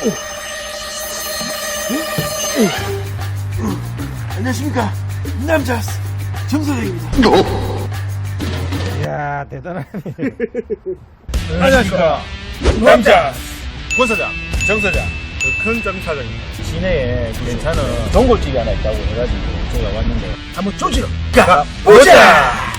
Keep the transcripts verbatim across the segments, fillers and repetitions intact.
안녕하십니까. 남자 정선생입니다. 이야, 대단하네. 안녕하십니까. 남자 권사장 정사장 큰 장사장입니다. 시내에 괜찮은 전골집이 하나 있다고 해가지고 저희가 왔는데 한번 조지러 가보자.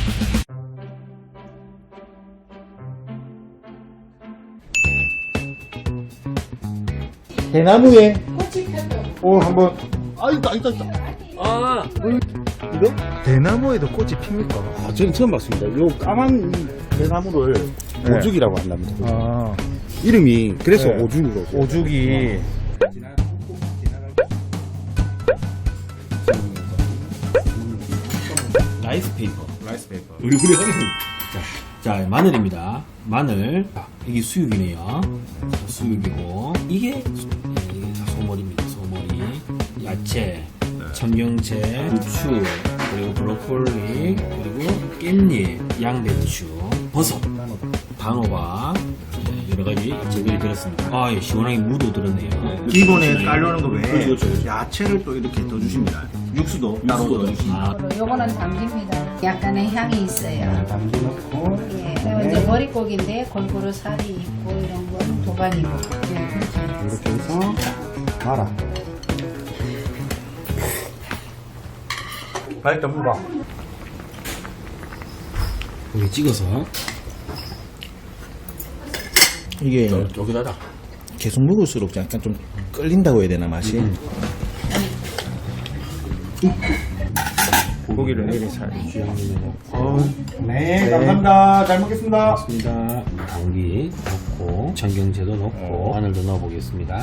대나무에 오 한번 아 있다 있다 있다 아, 이거? 대나무에도 꽃이 핍니까? 아, 저는 처음 봤습니다. 요 까만 이 대나무를 네. 오죽이라고 한답니다. 아 이름이 그래서 네. 오죽이고. 오죽이 라이스 페이퍼. 라이스 페이퍼. 우리 우리 하는. 자, 자 마늘입니다. 마늘. 자, 이게 수육이네요. 자, 수육이고 이게 소, 네, 이게 다 소머리입니다. 소머리. 야채, 청경채, 부추, 그리고 브로콜리, 그리고 깻잎, 양배추, 버섯, 단호박. 네, 여러 가지 재료들이 들었습니다. 아, 예, 시원하게 무도 들었네요. 기본에 깔려는 거 외에 그렇죠, 그렇죠, 그렇죠. 야채를 또 이렇게 더 주십니다. 육수도 따로 육수도 더 주십니다. 아, 요거는 담깁니다. 약간의 향이 있어요. 담기 넣고 예. 그리고 이제 머릿고기인데 골고루 살이 있고 이런 건 도가니고. 예, 그렇죠. 이렇게 해서 말아. 발전 무가. 여기 찍어서 이게 여기다가 계속 먹을수록 약간 좀 끌린다고 해야 되나 맛이? 고기를 내리 살. 네, 감사합니다. 잘 먹겠습니다. 있습니다. 당귀 넣고 청경채도 넣고 마늘도 넣어보겠습니다.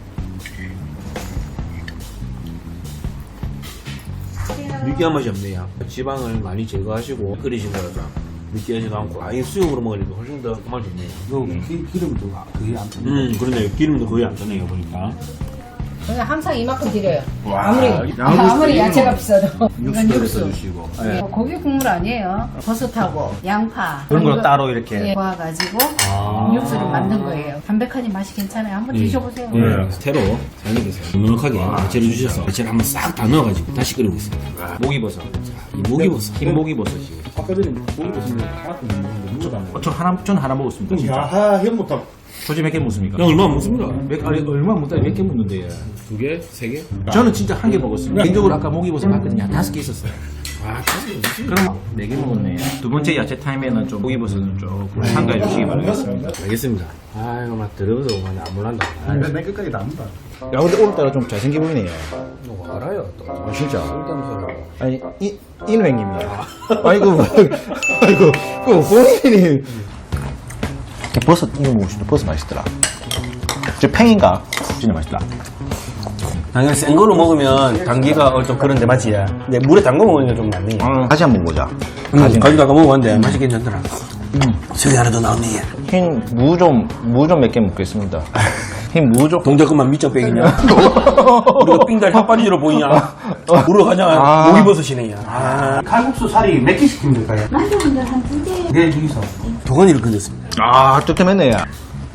느끼한 맛이 없네요. 지방을 많이 제거하시고 끓이신 거라서 느끼하지도 않고 아예 수육으로 먹으니까 훨씬 더 맛이 좋네요. 요 기, 기름도 거의 안 듭니다. 음 그러네요. 기름도 거의 안 드네요 보니까. 저는 항상 이만큼 드려요. 와, 아무리 양을 아무리 쓰- 야채가 비싸도 이건 육수도 육수. 써주시고. 예, 고기 국물 아니에요. 버섯하고 양파 그런 걸 이거- 따로 이렇게. 예, 모아가지고 아. 육수를 만든 거예요. 담백하니 맛이 괜찮아요. 한번 드셔보세요. 네. 새로 사장님께서 넉넉하게 야채를 주셔서 야채를 한번 싹 다 넣어가지고 다시 끓이고 있습니다. 목이버섯. 이 목이버섯. 흰 목이버섯이. 아까 전에 고기 버섯을 하나도 못 먹는데 무조건 안 먹어요. 저 하나, 전 하나 먹었습니다. 진짜. 야하, 현부터. 조지 몇 개 먹습니까? 야, 얼마 먹습니까? 몇, 아니, 얼마 못다 몇 개 먹는데. 두 개? 세 개? 저는 진짜 한 개 먹었습니다. 개인적으로 아까 목이버섯 봤거든요. 한 다섯 개 있었어요. 아, 다시 그럼 네 개 먹었네요. 두 번째 야채 타임에는 좀 목이버섯은 조금 참가해 주시기 바라겠습니다. 알겠습니다. 아이고, 막 들어서 그냥 안 몰란다. 근데 내 끝까지 남는다. 야, 근데 오늘따라 좀 잘생겨 보이네요. 너 알아요, 또. 아, 진짜. 쓸데없는 아니, 이, 인우행님이야. 아이고, 아이고, 그 본인이. 버섯 이거 먹고 싶다. 버섯 맛있더라. 저 팽인가? 진짜 맛있다. 당연히 센 거로 먹으면 당기가 어, 좀 그런데 맞지? 근데 물에 담궈 먹으니까 좀 낫네. 다시 한번 보자. 음, 가지고 아까 먹어봤는데 맛이 괜찮더라. 저기 하나 더 나오네. 흰 무 좀, 무 좀 몇 개 먹겠습니다. 흰 무 좀. 동작 그만 밑장 빼기냐? 우리가 삥달 핫바지로 보이냐? 물어 가냐? 아. 목이버섯이네, 야. 아, 칼국수 살이 몇 개 시키면 될까요? 남자분들 한 두 개. 네, 여기서. 도가니를 건졌습니다. 아, 뜨끔했네, 야.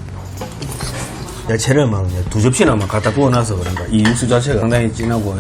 야채를 막 두 접시나 막 갖다 구워놔서 그런가. 이 육수 자체가 상당히 진하고.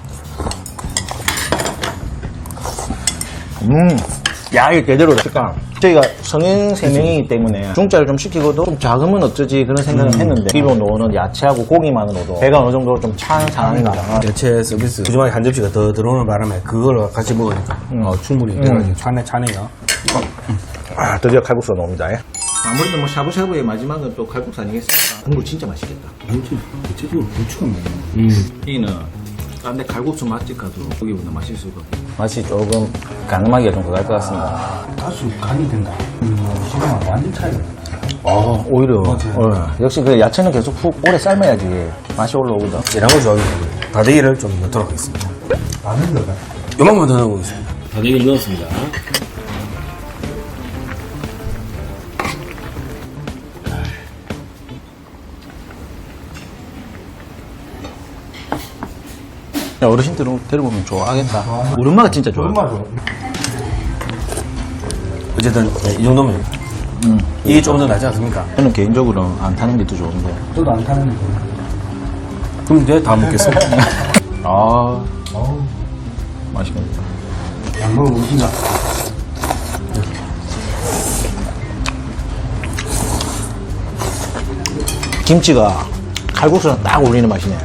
음. 야, 이게 제대로다. 그러니까 저희가 성인 세 명이기 때문에 중짜를 좀 시키고도 좀 작으면 어쩌지 그런 생각을 했는데 기본 넣는 야채하고 고기만으로도 배가 어느 정도 좀 찬 상황이다. 야채 서비스 푸짐하게 한 접시가 더 들어오는 바람에 그걸 같이 먹으니까 어, 충분히 들어가지. 차네, 차네요. 아, 드디어 칼국수가 나옵니다. 예. 아무래도 뭐 샤브샤브의 마지막은 또 칼국수 아니겠습니까? 국물 진짜 맛있겠다. 대체적으로 부추가 많아요. 음. 이는 딴데 칼국수 맛집 가도 거기보다 맛있을 것 같아요. 맛이 조금 가늠하기가 좀 그럴 것 같습니다. 아, 다수 간이 된다. 음, 지금 완전 차이가 나요. 어, 오히려 어, 역시 그 야채는 계속 푹 오래 삶아야지 맛이 올라오거든. 이런 거 좋아하는 거 다대기를 좀 넣도록 하겠습니다. 많은 거가. 요만큼만 더 넣어보겠습니다. 다대기를 넣었습니다. 야, 어르신들은 데려보면 좋아하겠다. 우리 엄마가 진짜 좋아. 얼마 줘? 어쨌든 네, 이 정도면 이게 좀 더 낫지 않습니까? 저는 개인적으로 안 타는 게 더 좋은데. 저도 안 타는 거. 그럼 내가 다 먹겠습니다. 아, 어우, 맛있겠다. 안 먹어보신다. 김치가 칼국수랑 딱 어울리는 맛이네.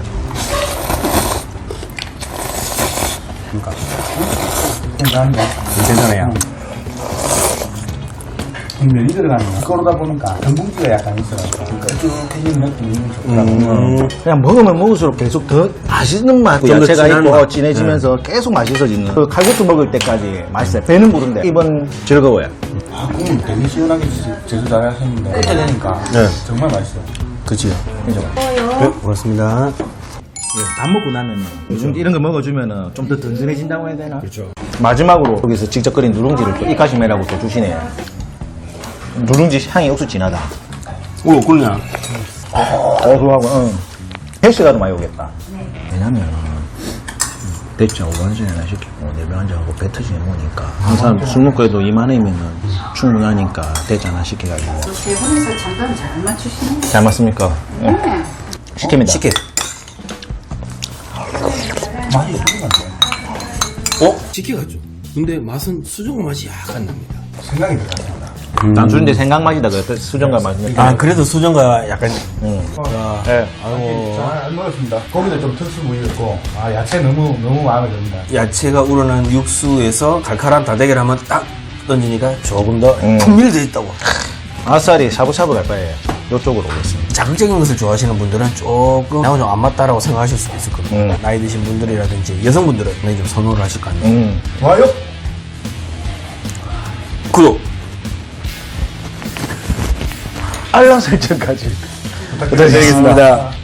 괜찮은데? 괜찮아요. 면이 들어가는 거. 그러다 보니까 전분기가 약간 있어가지고 끈끈해지는 느낌이 좋더라고요. 그냥 먹으면 먹을수록 계속 더 맛있는 맛. 좀더 야채가 진한 있고 맛. 진해지면서 계속 맛있어지는. 그 칼국수 먹을 때까지 맛있어요. 배는 부른데 입은 즐거워요. 아, 국물 되게 시원하게 제- 제조 잘 하셨는데 이렇게 되니까 네. 정말 맛있어요. 그치요. 그죠? 네, 고맙습니다. 밥 먹고 나면은 요즘 이런 거 먹어주면은 좀 더 든든해진다고 해야 되나? 그렇죠. 마지막으로 여기서 직접 끓인 누룽지를 또 이카시메라고 또 주시네요. 누룽지 향이 억수 진하다. 오, 꿀냐? 어, 그거하고, 응. 헬스가도 많이 오겠다. 왜냐면, 대짜 오반전이나 시키고, 네병 한잔하고 배 터지게 먹으니까. 항상 술 먹고 해도 이만이면은 충분하니까 대짜 하나 시켜가지고. 세 분에서 잠깐 잘 맞추시는 잘 맞습니까? 예. 시킵니다. 시켜. 맛이 좋은데 어? 시켜갔죠. 근데 맛은 수정 맛이 약간 납니다. 생각이 들어요. 단순인데 생각 맛이다. 그 수정과 맛이. 아, 그래도 수정과 약간. 응. 아, 예. 아이고. 잘 먹었습니다. 고기도 좀 특수 부위였고, 아, 야채 너무, 너무 마음에 듭니다. 야채가 우러난 육수에서 칼칼한 다대기를 한번 딱 던지니까 조금 더 음. 풍미되어 있다고. 아싸리 샤브샤브 갈 바에 이쪽으로 오겠습니다. 자극적인 것을 좋아하시는 분들은 조금 나하고 좀 안 맞다라고 생각하실 수도 있을 겁니다. 음. 나이 드신 분들이라든지 여성분들은 굉장히 좀 선호를 하실 거 아니에요. 음. 좋아요? 구독! 알람 설정까지. 부탁드리겠습니다.